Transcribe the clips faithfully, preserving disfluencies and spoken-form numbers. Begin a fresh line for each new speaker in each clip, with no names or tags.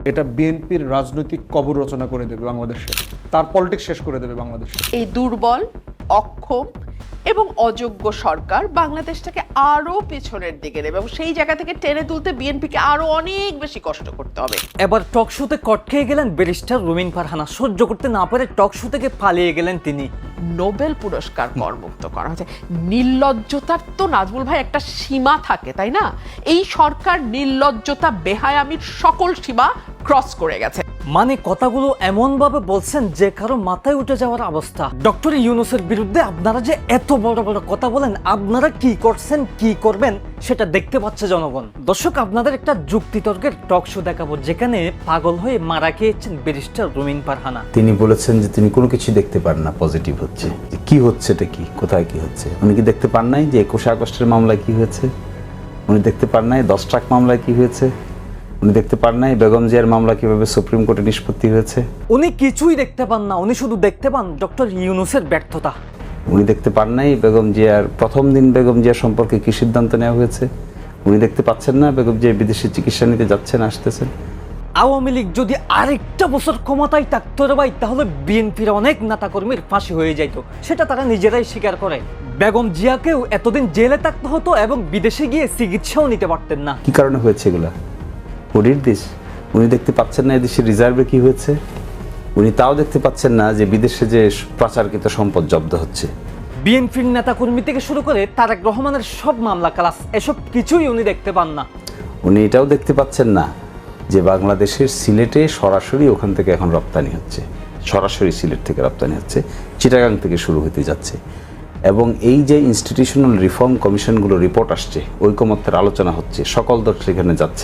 এটা বিএনপির রাজনৈতিক কবর রচনা করে দেবে বাংলাদেশে, তার পলিটিক্স শেষ করে দেবে বাংলাদেশে।
এই দুর্বল, অক্ষম এবং অযোগ্য সরকার বাংলাদেশটাকে আরো পেছনের দিকে নেবে এবং সেই জায়গা থেকে টেনে তুলতে বিএনপিকে আরো অনেক বেশি কষ্ট করতে হবে।
এবার টক শোতে কট খেয়ে গেলেন ব্যারিস্টার রুমিন ফারহানা। সহ্য করতে না পারে টক শো থেকে পালিয়ে গেলেন তিনি।
নোবেল পুরস্কার করমুক্ত করা হয়েছে। নির্লজ্জতার তো নাজমুল ভাই একটা সীমা থাকে, তাই না? এই সরকার নির্লজ্জতা, বেহায়ামির সকল সীমা ক্রস করে গেছে।
মানে কথাগুলো এমন ভাবে বলছেন যে কারো মাথায় উঠে যাওয়ার অবস্থা। ডক্টর ইউনূসের বিরুদ্ধে আপনারা যে এত বড় বড় কথা বলেন, আপনারা কি করছেন কি করবেন সেটা দেখতে পাচ্ছে জনগণ। দর্শক, আপনাদের একটা যুক্তিতর্কের টক শো দেখাবো যেখানে পাগল হয়ে মারা খেয়েছেন ব্যারিস্টার রুমিন ফারহানা।
তিনি বলেছেন যে তিনি কোনো কিছু দেখতে পান না পজিটিভ হচ্ছে। কি হচ্ছে এটা, কি কোথায় কি হচ্ছে উনি কি দেখতে পান নাই? যে একুশে আগস্টের মামলায় কি হয়েছে উনি দেখতে পান নাই? দশ ট্রাক মামলায় কি হয়েছে উনি দেখতে পান নাই? বেগম জিয়ার মামলা কিভাবে সুপ্রিম কোর্টে নিষ্পত্তি হয়েছে
উনি কিছুই দেখতে পান না। উনি শুধু দেখতে পান ডক্টর ইউনূসের ব্যর্থতা।
উনি দেখতে পান নাই বেগম জিয়ার প্রথম দিন বেগম জিয়ার সম্পর্কে কি সিদ্ধান্ত নেওয়া হয়েছে উনি দেখতে পাচ্ছেন না? বেগম জিয়া বিদেশে চিকিৎসা নিতে যাচ্ছেন, আসতেছেন।
আওয়ামী লীগ যদি আরেকটা বছর ক্ষমতায় থাকতো রে ভাই, তাহলে বিএনপির অনেক নেতাকর্মীর ফাঁসি হয়ে যাইত। সেটা তারা নিজেরাই স্বীকার করে। বেগম জিয়াকেও এতদিন জেলে থাকতে হতো এবং বিদেশে গিয়ে চিকিৎসাও নিতে পারতেন না।
কি কারণে হয়েছে এগুলা? ওডির দেশ উনি দেখতে পাচ্ছেন না এদেশের রিজার্ভে কি হয়েছে? উনি তাও দেখতে পাচ্ছেন না যে বিদেশে যে পাচারকৃত সম্পদ জব্দ হচ্ছে।
বিএনপির নেতাকর্মী থেকে শুরু করে তারেক রহমানের সব মামলা ক্লাস, এসব কিছুই উনি দেখতে পান না।
উনি এটাও দেখতে পাচ্ছেন না যে বাংলাদেশের সিলেটে সরাসরি ওখান থেকে এখন রপ্তানি হচ্ছে, সরাসরি সিলেট থেকে রপ্তানি হচ্ছে, চিটাগাং থেকে শুরু হতে যাচ্ছে। এবং এই যে ইনস্টিটিউশনাল রিফর্ম কমিশনগুলো রিপোর্ট আসছে, ঐকমত্যের আলোচনা হচ্ছে, সকল দল সেখানে যাচ্ছে।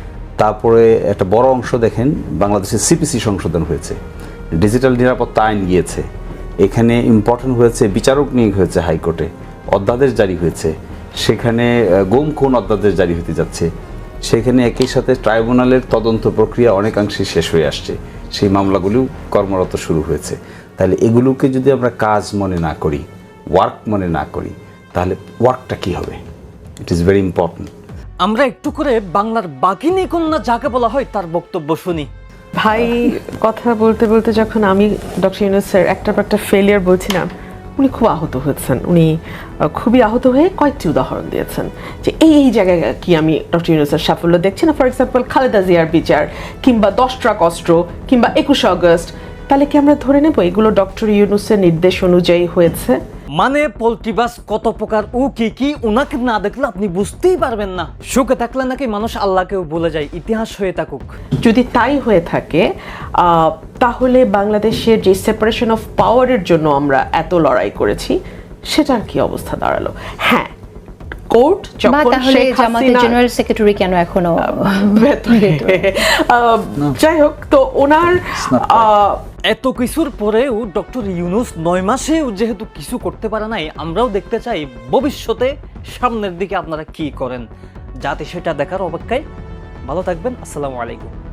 তারপরে একটা বড় অংশ দেখেন বাংলাদেশের সিপিসি সংশোধন হয়েছে, ডিজিটাল নিরাপত্তা আইন গিয়েছে, এখানে ইম্পর্টেন্ট হয়েছে বিচারক নিয়োগ হয়েছে হাইকোর্টে, অধ্যাদেশ জারি হয়েছে, সেখানে গুম খুন অধ্যাদেশ জারি হতে যাচ্ছে, সেখানে একই সাথে ট্রাইব্যুনালের তদন্ত প্রক্রিয়া অনেকাংশে শেষ হয়ে আসছে, সেই মামলাগুলিও কর্মরত শুরু হয়েছে। তাহলে এগুলোকে যদি আমরা কাজ মনে না করি, ওয়ার্ক মনে না করি, তাহলে ওয়ার্কটা কি হবে? It is very important.
আমরা একটু করে বাংলার বাঘিনী কন্যা যাকে বলা হয় তার বক্তব্য শুনি।
ভাই কথা বলতে বলতে যখন আমি ডক্টর ইউনূসের একটার পর একটা ফেলিয়ার বলছিলাম, উনি খুব আহত হয়েছেন। উনি খুবই আহত হয়ে কয়েকটি উদাহরণ দিয়েছেন যে এই এই জায়গায় কি আমি ডক্টর ইউনূসের সাফল্য দেখছি না। ফর এক্সাম্পল খালেদা জিয়ার বিচার, কিংবা দশ ট্রাক অস্ত্র, কিংবা একুশে আগস্ট। তাহলে কি আমরা ধরে নেব এগুলো ডক্টর ইউনূসের নির্দেশ অনুযায়ী হয়েছে?
মানে পল্টিবাস কত প্রকার ও কি কি ওনাকে না দেখলে আপনি বুঝতেই পারবেন না। সুখে থাকলে নাকি মানুষ আল্লাহকেও ভুলে যায়, ইতিহাস হয়ে থাকুক।
যদি তাই হয়ে থাকে তাহলে বাংলাদেশের যে সেপারেশন অফ পাওয়ারের জন্য আমরা এত লড়াই করেছি সেটার কি অবস্থা দাঁড়ালো? হ্যাঁ, কোর্ট যখন শেখ হাসিনা
জেনারেল সেক্রেটারি কেন এখনো
যাই হোক, তো ওনার
এত কিছুর পরেও ডক্টর ইউনূস নয় মাসেও যেহেতু কিছু করতে পারে নাই, আমরাও দেখতে চাই ভবিষ্যতে সামনের দিকে আপনারা কি করেন, যাতে সেটা দেখার অপেক্ষায়। ভালো থাকবেন। আসসালামু আলাইকুম।